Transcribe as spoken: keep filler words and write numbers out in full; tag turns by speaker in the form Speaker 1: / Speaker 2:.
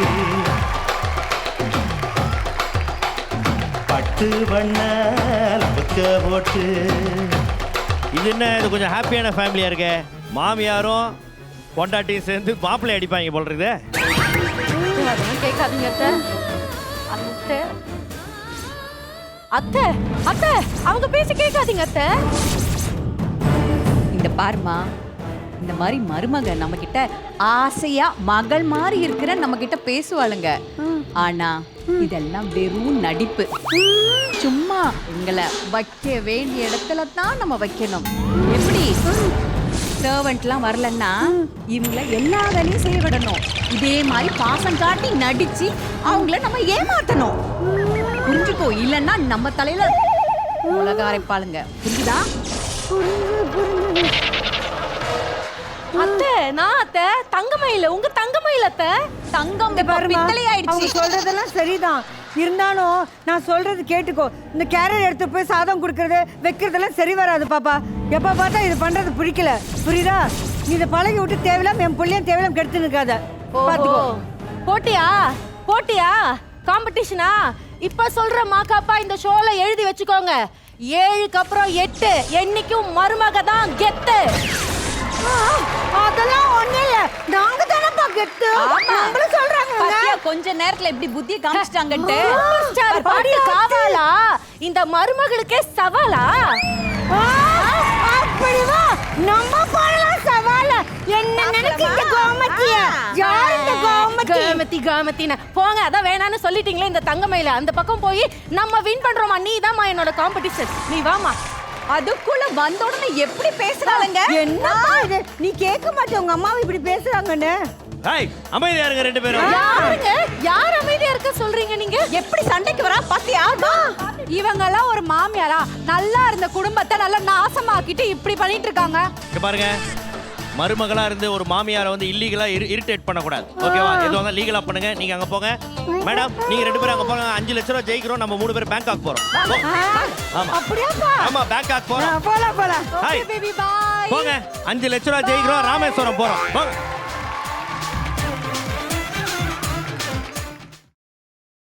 Speaker 1: பட்டு வண்ண புக்க போட்டு. இது என்ன, இது கொஞ்சம் ஹாப்பியான ஃபேமிலியா இருக்கு. மாமியாரும் பொண்டாட்டியும் சேர்ந்து மாப்பிள்ளை அடிப்பாங்க போல இருக்குது.
Speaker 2: அதெல்லாம் கேட்காதீங்க அத்தை. அத்தை அத்தை அத்தை அவங்க பேசி கேட்காதீங்க அத்தை.
Speaker 3: இந்த பாருமா, இந்த மாதிரி மருமக நம்ம கிட்ட ஆசையா மகள் மாதிரி இருக்கிற நம்ம கிட்ட பேசுவாளுங்க. ஆனா இதெல்லாம் வெறும் நடிப்பு. சும்மா எங்களை வைக்க வேண்டிய இடத்துல தான் நம்ம வைக்கணும். எப்படி சர்வெண்ட்லாம் வரலன்னா இவங்கள எல்லா வேலையும் செய்ய விடணும். இதே மாதிரி பாசம் காட்டி நடிச்சு அவங்கள நம்ம ஏமாத்தணும். புரிஞ்சுக்கோ, இல்லைன்னா நம்ம தலையில உலக அரைப்பாளுங்க. புரிஞ்சுதா?
Speaker 2: அத்தை நான் அத்தை தங்கமயில உங்க தங்கமயில அத்தை.
Speaker 3: தங்கம் பித்தளை ஆயிடுச்சு.
Speaker 4: சொல்றதெல்லாம் சரிதான், இருந்தாலும் நான் சொல்றது கேட்டுக்கோ. இந்த கேரியர் எடுத்து போய் சாதம் கொடுக்கறது வைக்கிறதெல்லாம் சரி வராது பாப்பா. எப்ப பார்த்தா இது பண்றது பிடிக்கல, புரியுதா? நீ இதை பழகி விட்டு தேவையில்லாம என் பிள்ளையும் தேவையில்லாம கெடுத்து நிற்காத. பாத்துக்கோ.
Speaker 2: போட்டியா போட்டியா காம்படிஷனா? இப்ப சொல்ற மாக்காப்பா இந்த ஷோல எழுதி வச்சுக்கோங்க. ஏழுக்கு அப்புறம் எட்டு என்னைக்கும் மருமக தான் கெத்து.
Speaker 4: அதெல்லாம் ஒண்ணு இல்ல, நாங்க தானப்பா கெத்து. நம்மள சொல்றாங்க.
Speaker 3: பாத்தியா கொஞ்ச நேரத்துல எப்படி புத்தியை காமிச்சிட்டாங்கன்னு.
Speaker 2: பாடி காவாலா இந்த மருமகளுக்கே சவாலா?
Speaker 4: அப்படி வா, நம்ம போடலாம் சவால. என்ன நினைக்கிற கோமத்திய? யார் இந்த கோமத்தி?
Speaker 2: கோமத்தி கோமத்தினா போங்க. அதான் வேணான்னு சொல்லிட்டீங்களே இந்த தங்கமயில. அந்த பக்கம் போய் நம்ம வின் பண்றோமா? நீ தான்மா என்னோட காம்படிஷன், நீ வாமா.
Speaker 3: அதுக்குள்ள வந்த உடனே எப்படி பேசுறாங்க?
Speaker 4: என்ன இது? நீ கேட்க மாட்டே உங்க அம்மாவை இப்படி பேசுறாங்கன்னு.
Speaker 1: ஹாய், அமைதியா இருங்க ரெண்டு பேரும்.
Speaker 2: யாருங்க யார் அமைதியா இருக்க சொல்றீங்க நீங்க?
Speaker 3: எப்படி சண்டைக்கு வரா பாத்தியா?
Speaker 2: இவங்க எல்லாம் ஒரு மாமியாரா? நல்லா இருந்த குடும்பத்தை நல்லா நாசமாக்கிட்டு இப்படி பண்ணிட்டு இருக்காங்க.
Speaker 1: இங்க பாருங்க, மருமகளா இருந்து ஒரு மாமியாரை வந்து இல்லீகலா இரிட்டேட் பண்ணக்கூடாது. ஓகேவா? எதுவும் வந்து லீகலா பண்ணுங்க. நீங்க அங்க போங்க. மேடம் நீங்க ரெண்டு பேரும் அங்க போங்க. அஞ்சு லட்சம் ரூபாய் ஜெயிக்கிறோம். நம்ம மூணு பேரும் பேங்காக் போறோம். ஆமா
Speaker 4: அப்படியாப்பா?
Speaker 1: ஆமா பேங்காக் போறோம்.
Speaker 4: போலாம் போலாம்.
Speaker 2: Okay baby bye.
Speaker 1: போங்க. அஞ்சு லட்சம் ரூபாய் ஜெயிக்கிறோம். ராமேஸ்வரம் போறோம். போங்க.